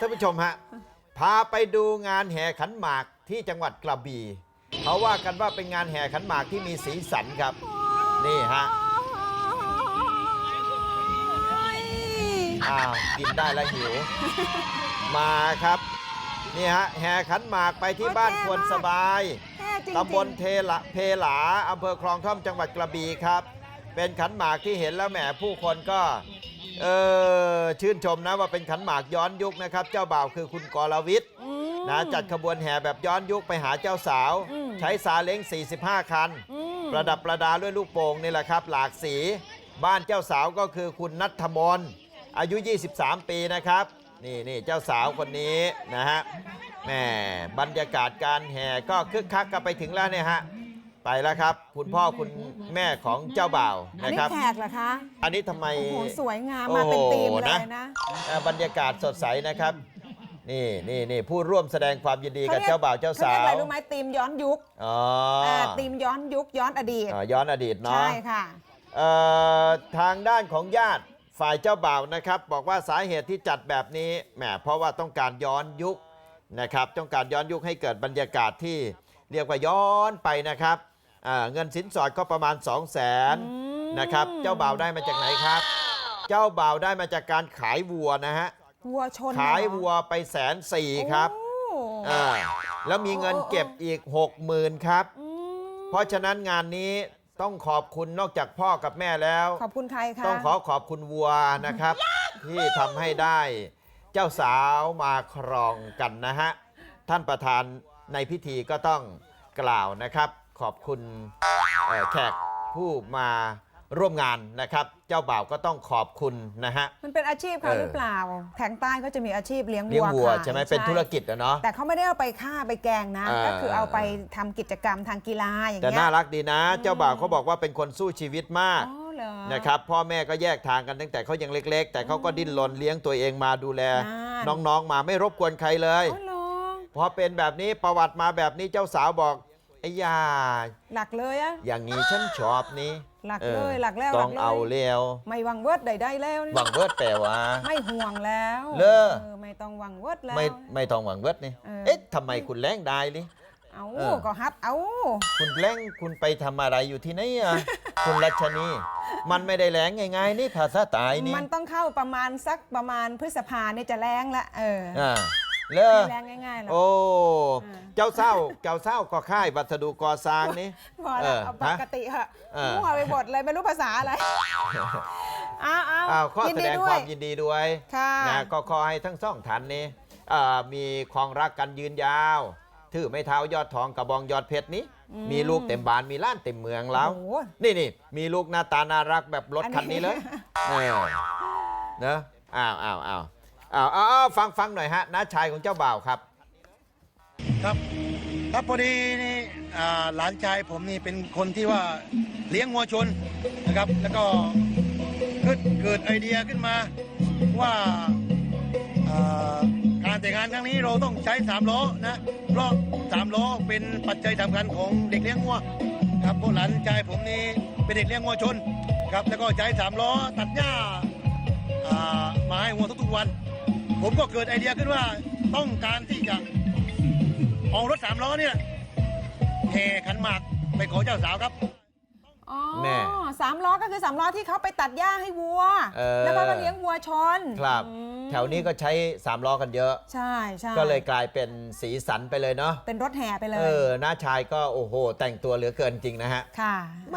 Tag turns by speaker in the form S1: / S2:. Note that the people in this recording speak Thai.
S1: ท่านผู้ชมฮะพาไปดูงานแห่ขันหมากที่จังหวัดกระบี่เขาว่ากันว่าเป็นงานแห่ขันหมากที่มีสีสันครับนี่ฮะกินได้แล้วหิวมาครับนี่ฮะแห่ขันหมากไปที่บ้านควรสบายตำบลเพหลาอำเภอคลองท่อมจังหวัดกระบี่ครับเป็นขันหมากที่เห็นแล้วแหมผู้คนก็ชื่นชมนะว่าเป็นขันหมากย้อนยุคนะครับเจ้าบ่าวคือคุณกรวิทย์นะจัดขบวนแห่แบบย้อนยุคไปหาเจ้าสาวใช้ซาเล้ง45 คันประดับประดาด้วยลูกโป่งนี่แหละครับหลากสีบ้านเจ้าสาวก็คือคุณณัฐมนอายุ23 ปีนะครับนี่เจ้าสาวคนนี้นะฮะแหมบรรยากาศการแห่ก็คึกคักกันไปถึงแล้วเนี่ยฮะไปแล้วครับคุณพ่อคุณแม่ของเจ้าบ่าวนะครับ
S2: อันนี้แขกเหรอคะ
S1: อันนี้ทำไม
S2: โอ้โหสวยงามมาเป็นธีมเลยนะ
S1: บรรยากาศสดใสนะครับนี่ผู้ร่วมแสดงความยินดีกับเจ้าบ่าวเจ้าสาว
S2: เขาเรียกอะไรรู้ไหมธีมย้อนยุคธีมย้อนยุคย้อนอดีต
S1: ย้อนอดีตเนาะ
S2: ใช่ค่ะ
S1: ทางด้านของญาติฝ่ายเจ้าบ่าวนะครับบอกว่าสาเหตุที่จัดแบบนี้แหมเพราะว่าต้องการย้อนยุคนะครับต้องการย้อนยุคให้เกิดบรรยากาศที่เรียกว่าย้อนไปนะครับเงินสินสอดก็ประมาณ 200,000 นะครับเจ้าบ่าวได้มาจากไหนครับเจ้าบ่าวได้มาจากการขายวัวนะฮะ
S2: วัวชน
S1: ขายวัวไป140,000ครับแล้วมีเงินเก็บอีก 60,000 ครับเพราะฉะนั้นงานนี้ต้องขอบคุณนอกจากพ่อกับแม่แล้ว
S2: ขอบคุณใครคะ
S1: ต้องขอบคุณวัวนะครับที่ทำให้ได้เจ้าสาวมาครองกันนะฮะท่านประธานในพิธีก็ต้องกล่าวนะครับขอบคุณแขกผู้มาร่วมงานนะครับเจ้าบ่าวก็ต้องขอบคุณนะฮะ
S2: มันเป็นอาชีพเขาหรือเปล่าแทงใต้ก็จะมีอาชีพเลี้ยง
S1: วัวใช่ไหมเป็นธุรกิจเนาะ
S2: แต่เขาไม่ได้เอาไปฆ่าไปแกงนะก็คือเอาไปทำกิจกรรมทางกีฬาอย่างเงี้ย
S1: แต่น่ารักดีนะเจ้าบ่าวเขาบอกว่าเป็นคนสู้ชีวิตมากนะครับพ่อแม่ก็แยกทางกันตั้งแต่เขายังเล็กๆแต่เขาก็ดิ้นรนเลี้ยงตัวเองมาดูแลน้องๆมาไม่รบกวนใครเลยพอเป็นแบบนี้ประวัติมาแบบนี้เจ้าสาวบอกไอ้ยา
S2: หลักเลยอะ
S1: อย่างนี้ฉันชอบนี้
S2: หลักเลยหลักแล้ว
S1: ต้องเอาเลี้ยว
S2: ไม่วังเวิร์ดใดๆแล้ว
S1: วังเวิร์ดแปลว่า
S2: ไม่ห่วงแล้วไม่ต้องวังเวิร์ดแล้ว
S1: ไม่ต้องวังเวิร์ดนี่เอ๊ะทำไมคุณแรงได้ลิ
S2: เอาก็ฮัดเอา
S1: คุณแรงคุณไปทำอะไรอยู่ที่ไหนอะคุณรัชนีมันไม่ได้แรงง่ายๆนี่ภาษาใต้นี่
S2: มันต้องเข้าประมาณพฤษภาเนี่ยจะแรงละ
S1: เลิก
S2: แรงง่ายๆแล้ว
S1: โอ้เจ้าเศร้าก็ค่ายวัสดุก่อสร้างนี่
S2: พอแล้วปกติเหอะมั่วไปหมดเลยไม่รู้ภาษาอะไร
S1: ข้อแสดงความยินดีด้วยนะก็ขอให้ทั้งสองท่านนี้มีความรักกันยืนยาวถือไม้เท้ายอดทองกระบองยอดเพชรนี้มีลูกเต็มบ้านมีล้านเต็มเมืองแล้วนี่มีลูกหน้าตาน่ารักแบบรถคันนี้เลยเนอะฟังหน่อยฮะน้าชายของเจ้าบ่าวครับ
S3: ครับพอดีนี่หลานชายผมนี่เป็นคนที่ว่าเลี้ยงวัวชนนะครับแล้วก็เกิดไอเดียขึ้นมาว่าการแต่งงานครั้งนี้เราต้องใช้3 ล้อนะเพราะ3 ล้อเป็นปัจจัยสำคัญของเด็กเลี้ยงวัวครับเพราะหลานชายผมนี่เป็นเด็กเลี้ยงวัวชนครับแล้วก็ใช้3 ล้อตัดหญ้ามาให้วัวทุกๆวันผมก็เกิดไอเดียขึ้นว่าต้องการที่จะเอารถ3 ล้อเนี่ยแห่ขันหมากไปขอเจ้าสาวครับ
S2: แม่3 ล้อก็คือ3 ล้อที่เขาไปตัดหญ้าให้วัวแล้วก็เลี้ยงวัวชน
S1: ครับแถวนี้ก็ใช้3 ล้อกันเยอะ
S2: ใช่
S1: ก็เลยกลายเป็นสีสันไปเลยเนาะ
S2: เป็นรถแห่ไปเลย
S1: น้าชายก็โอ้โหแต่งตัวเหลือเกินจริงนะฮะ
S2: ค่ะ